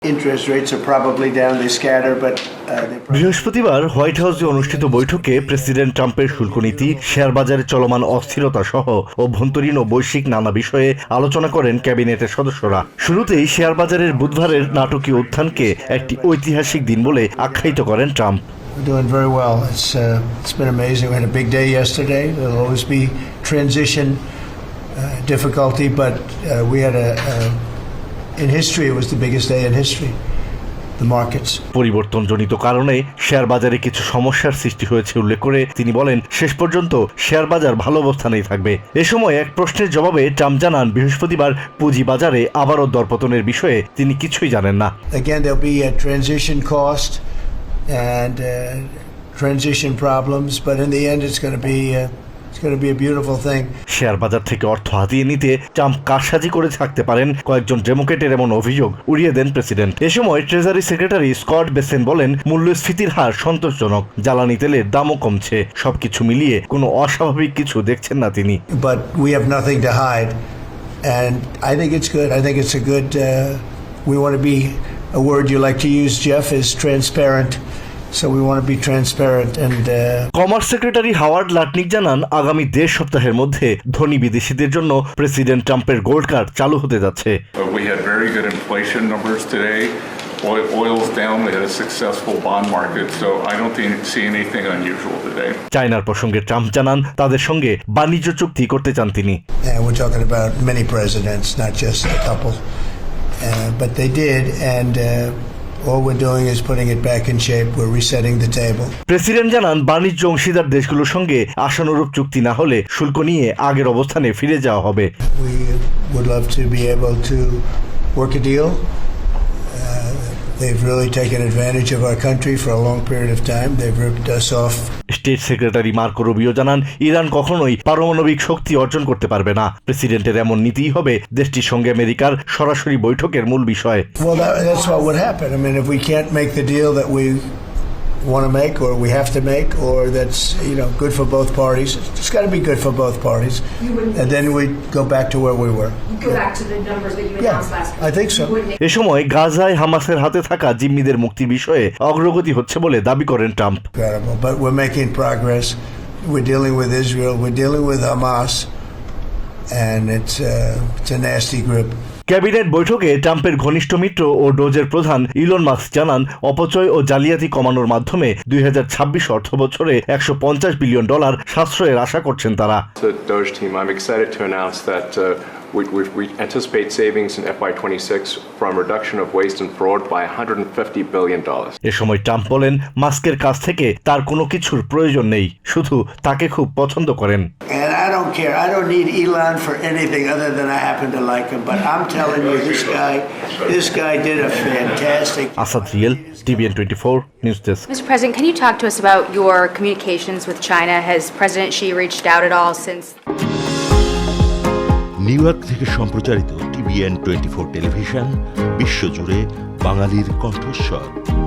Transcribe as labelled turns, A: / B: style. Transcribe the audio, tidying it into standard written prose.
A: Interest rates are probably down, they scatter, but
B: বৃহস্পতিবার white হাউসে অনুষ্ঠিত বৈঠকে প্রেসিডেন্ট ট্রাম্পের শুল্ক নীতি, শেয়ার বাজারে চলমান অস্থিরতা সহ অভ্যন্তরীণ ও বৈশ্বিক নানা বিষয়ে আলোচনা করেন ক্যাবিনেটের সদস্যরা। শুরুতেই শেয়ার বাজারের বুধবারের নাটকীয় উত্থানকে একটি ঐতিহাসিক দিন বলে আখ্যায়িত করেন Trump.
A: we're doing very well. It's been amazing. We had a big day yesterday. There'll always be transition difficulty, but we had in history, it was the biggest day in history. The markets.
B: পরিবর্তনজনিত কারণে share বাজারে কিছু সমস্যার সৃষ্টি হয়েছে উল্লেখ করে তিনি বলেন, শেষ পর্যন্ত শেয়ার বাজার ভালো অবস্থানেই থাকবে। এ সময় এক প্রশ্নের জবাবে ট্রাম্প জানান, বৃহস্পতিবার পুঁজি বাজারে আবারও দরপতনের বিষয়ে তিনি কিছুই জানেন না।
A: Again, there'll be a transition cost and transition problems, but in the end, it's going to be a beautiful thing.
B: Share বাজার থেকে অর্থ হাতিয়ে নিতে ট্রাম্প কারসাজি করে থাকতে পারেন কয়েকজন ডেমোক্রেটের এমন অভিযোগ উড়িয়ে দেন প্রেসিডেন্ট। এ সময় ট্রেজারি সেক্রেটারি স্কট বেসেন বলেন, মূল্যস্ফীতির হার সন্তোষজনক, জ্বালানি তেলের দামও কমছে, সবকিছু মিলিয়ে কোনো অস্বাভাবিক কিছু দেখছেন না তিনি।
A: But we have nothing to hide, and I think it's good. I think it's a good. We want to be. A word you like to use, Jeff, is transparent. So we want to be transparent and
B: commerce secretary Howard Lutnick জানান, আগামী 1.5 সপ্তাহের মধ্যে ধনী বিদেশিদের জন্য president ট্রাম্পের gold card চালু হতে যাচ্ছে।
C: We had very good inflation numbers today. Oil's down. We had a successful bond market, so I don't see anything unusual today.
B: চায়নার প্রসঙ্গে ট্রাম্প জানান, তাদের সঙ্গে বাণিজ্য চুক্তি করতে চান তিনি।
A: We're talking about many presidents, not just a couple, but they did, and all we're doing is putting it back in shape. We're resetting the table.
B: President জানান, বাণিজ্য অংশীদার দেশগুলোর সঙ্গে আশানুরূপ চুক্তি না হলে শুল্ক নিয়ে আগের অবস্থানে ফিরে যাওয়া হবে।
A: We would love to be able to work a deal. They've really taken advantage of our country for a long period of time. They've ripped us off.
B: State secretary Marco Rubio জানান, Iran কখনোই পারমাণবিক শক্তি অর্জন করতে পারবে না। প্রেসিডেন্টের এমন নীতিই হবে দেশটির সঙ্গে আমেরিকার সরাসরি বৈঠকের মূল বিষয়।
A: Well, that's what would happen. I mean, if we can't make the deal that we want to make or we have to make, or that's good for both parties, it's got to be good for both parties, and then we go back to where we were.
D: Go back to the numbers that you announced last week.
A: I think so.
B: এ সময় গাজায় হামাসের হাতে থাকা জিম্মিদের মুক্তির বিষয়ে অগ্রগতি হচ্ছে বলে দাবি করেন Trump.
A: Incredible, but we're making progress. We're dealing with Israel. We're dealing with Hamas, and it's a nasty group.
B: Cabinet বৈঠকে ট্রাম্পের ঘনিষ্ঠ মিত্র ও ডোজের প্রধান ইলন মাস্ক জানান, অপচয় ও জালিয়াতি কমানোর মাধ্যমে 2026 অর্থবছরে $150 বিলিয়ন সাশ্রয়ের আশা করছেন তারা।
E: The Doge team, I'm excited to announce that we anticipate savings in FY26 from reduction of waste and fraud by $150 billion.
B: এ সময় ট্রাম্প বলেন, মাস্কের কাছ থেকে তার কোনো কিছুর প্রয়োজন নেই, শুধু তাকে খুব পছন্দ করেন।
A: And I don't care. I don't need Elon for anything other than I happen to like him. But I'm telling you, this guy did a fantastic.
B: Asad রিয়েল, TVN 24 News Desk.
D: Mr. President, can you talk to us about your communications with China? Has President Xi reached out at all since?
F: New York থেকে সম্প্রচারিত TVN 24 television বিশ্বজুড়ে বাঙালির কণ্ঠস্বর।